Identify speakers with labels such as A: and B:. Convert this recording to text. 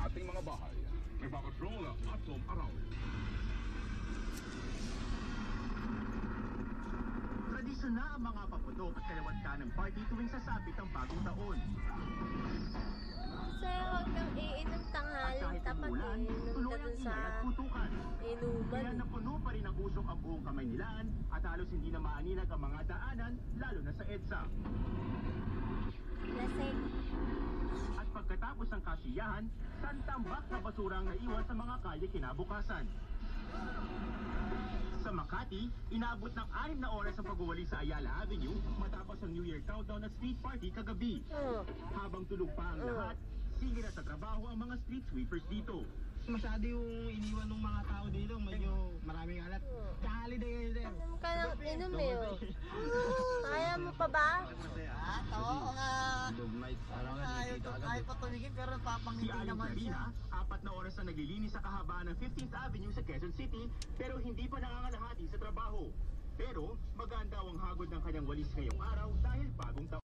A: ating mga bahay. Nagpapatrol ang Atom Araw.
B: Tradisyon na ang mga paputok at kalawat ng party tuwing sasapit ang bagong taon.
C: Sir, huwag nang iinom tanghali.
B: Kahit
C: Tapat
B: umulan,
C: iinom
B: tuloy
C: ka
B: ang
C: dun sa
B: ingay at putukan. Kaya
C: inuman.
B: napuno pa rin ang usok ang buong Kamaynilaan at halos hindi na maaninag ang mga daanan, lalo na sa EDSA.
C: Lasing.
B: At pagkatapos ng kasiyahan, santambak na basura ang naiwan sa mga kalye kinabukasan. Sa Makati, inaabot ng 6 na oras ang pagwawali sa Ayala Avenue matapos ang New Year countdown at street party kagabi. Habang tulog pa ang lahat, sige na sa trabaho ang mga street sweepers dito.
D: Masyado yung iniwan ng mga tao dito, medyo maraming alat. Ka-holiday ngayon, sir.
C: Inom ka ng inom eh. Oh. Kaya mo pa ba?
D: Oo nga. Ayaw pa tumigil pero
B: Si
D: papangiti
B: Aling
D: naman
B: Karina,
D: siya.
B: 4 na oras na naglilinis sa kahabaan ng 15th Avenue sa Quezon City pero hindi pa nangangalahati sa trabaho. Pero maganda ang hagod ng kanyang walis ngayong araw dahil bagong taon.